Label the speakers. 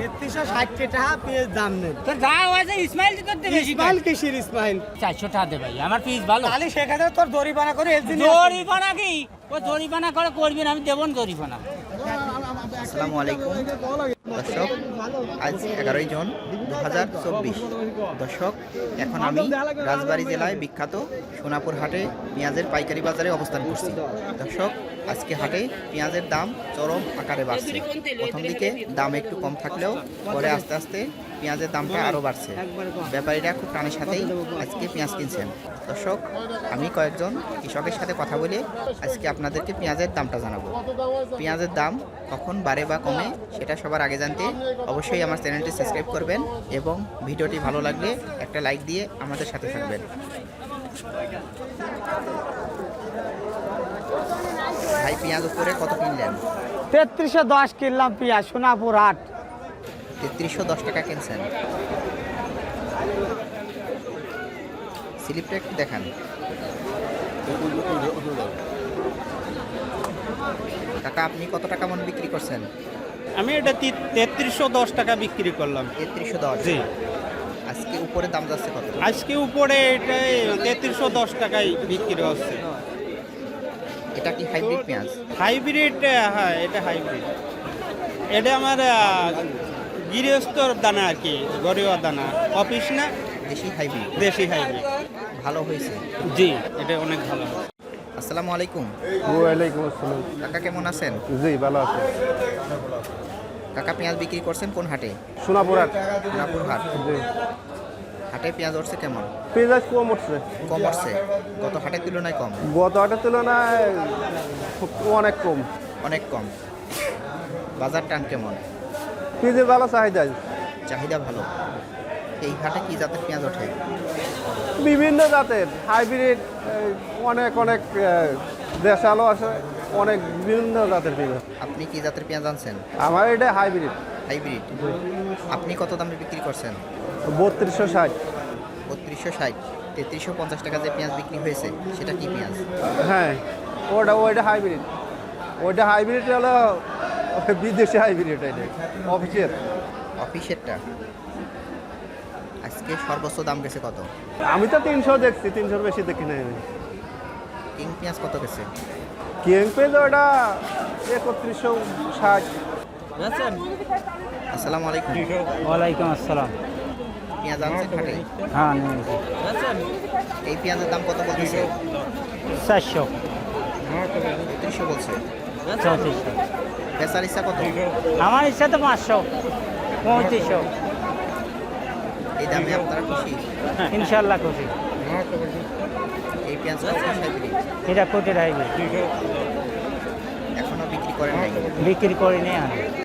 Speaker 1: 3360 টাকা পেঁয়াজ দাম নেন।
Speaker 2: তোর যা হয়েছে ইসমাইল তো করতে বেশি
Speaker 1: ইসমাইল কিসির ইসমাইল?
Speaker 2: 400 টাকা দে ভাই, আমার পিস ভালো।
Speaker 1: তাহলে সেখানে তোর দড়িপানা করে এলজি
Speaker 2: জরিপানা কি ও জরিপানা করে করবি না, আমি দেবন জরিপানা।
Speaker 3: আসসালামু আলাইকুম দর্শক, আজ 11ই জুন 2024। দর্শক, এখন আমি রাজবাড়ী জেলায় বিখ্যাত সোনাপুর হাটে পেঁয়াজের পাইকারি বাজারে অবস্থান করছি। দর্শক, আজকে হাটে পেঁয়াজের দাম চরম আকারে বাড়ছে। প্রথম দিকে দাম একটু কম থাকলেও পরে আস্তে আস্তে পেঁয়াজের দামটা আরও বাড়ছে। ব্যাপারীরা খুব টানের সাথেই আজকে পেঁয়াজ কিনছেন। দর্শক, আমি কয়েকজন কৃষকের সাথে কথা বলে আজকে আপনাদেরকে পেঁয়াজের দামটা জানাবো। পেঁয়াজের দাম কখন বাড়ে বা কমে সেটা সবার আগে জানতে অবশ্যই আমার চ্যানেলটি সাবস্ক্রাইব করবেন এবং ভিডিওটি ভালো লাগলে একটা লাইক দিয়ে আমাদের সাথে থাকবেন। ভাই, পেঁয়াজ উপরে কত কিনলেন?
Speaker 1: 3310 কিনলাম পেঁয়াজ সোনাপুর হাট।
Speaker 3: 3310 টাকা কিনছেন। স্লিপটা একটু দেখান। কাকা, আপনি কত টাকা মন বিক্রি করছেন?
Speaker 4: আমি এটা 3310 টাকা বিক্রি করলাম।
Speaker 3: 3310।
Speaker 4: জি,
Speaker 3: আজকে উপরে দাম যাচ্ছে কত?
Speaker 4: আজকে উপরে এটা 3310 টাকায় বিক্রি হচ্ছে।
Speaker 3: এটা কি হাইব্রিড পেঁয়াজ?
Speaker 4: হাইব্রিড, হ্যাঁ এটা হাইব্রিড। এটা আমার গৃহস্থর দানা আর কি, ঘরোয়া দানা, অফিস না,
Speaker 3: দেশি হাইব্রিড।
Speaker 4: দেশি হাইব্রিড।
Speaker 3: ভালো হয়েছে।
Speaker 4: জি, এটা অনেক ভালো হয়।
Speaker 3: আসসালামু আলাইকুম।
Speaker 5: ওয়ালাইকুম আসসালাম।
Speaker 3: কাকা, কেমন আছেন?
Speaker 5: জি, ভালো আছে।
Speaker 3: কাকা, পেঁয়াজ বিক্রি করছেন কোন হাটে?
Speaker 5: সোনাপুর হাট।
Speaker 3: সোনাপুর হাট।
Speaker 5: জি,
Speaker 3: হাটে পেঁয়াজ উঠছে কেমন?
Speaker 5: পেঁয়াজ কম উঠছে।
Speaker 3: কম উঠছে? গত হাটের তুলনায় কম?
Speaker 5: গত হাটের তুলনায় অনেক কম।
Speaker 3: অনেক কম। বাজার টান কেমন?
Speaker 5: পেঁয়াজের ভালো চাহিদা।
Speaker 3: চাহিদা ভালো। এই হাটে কি জাতের পেঁয়াজ ওঠে?
Speaker 5: বিভিন্ন জাতের হাইব্রিড, অনেক অনেক দেশালো আছে, অনেক বিভিন্ন জাতের পেঁয়াজ।
Speaker 3: আপনি কি জাতের পেঁয়াজ আনছেন?
Speaker 5: আমার এটা হাইব্রিড।
Speaker 3: হাইব্রিড। আপনি কত দামে বিক্রি করছেন?
Speaker 5: 3260।
Speaker 3: 3260। 3350 টাকা যে পেঁয়াজ বিক্রি হয়েছে সেটা কি পেঁয়াজ?
Speaker 5: হ্যাঁ, ওইটা হাইব্রিড। ওইটা হাইব্রিড হলো বিদেশি হাইব্রিড। এটা অফিসের।
Speaker 3: অফিসেরটা। আজকে সর্বোচ্চ দাম গেছে কত?
Speaker 5: আমি তো 300 দেখছি, 300 বেশি দেখি নাই আমি।
Speaker 3: কিং পেঁয়াজ কত গেছে?
Speaker 5: কিং পেঁয়াজ ওটা 3160।
Speaker 3: আসসালামু আলাইকুম।
Speaker 2: ওয়ালাইকুম আসসালাম।
Speaker 3: পেঁয়াজ আনছেন হাটে?
Speaker 2: হ্যাঁ নিয়েছি।
Speaker 3: এই পেঁয়াজের দাম কত বলতেছে?
Speaker 2: 400।
Speaker 3: 3300 বলছে।
Speaker 2: 3400।
Speaker 3: বেচার ইচ্ছা কত?
Speaker 2: আমার ইচ্ছা তো 500, 3500।
Speaker 3: এই দামে আপনারা খুশি?
Speaker 2: ইনশাল্লাহ খুশি।
Speaker 3: এই পেঁয়াজটা হাইব্রিড।
Speaker 2: এটা কোটি রাখবে,
Speaker 3: এখনো বিক্রি করেন নাই?
Speaker 2: বিক্রি করে নিয়ে আনে।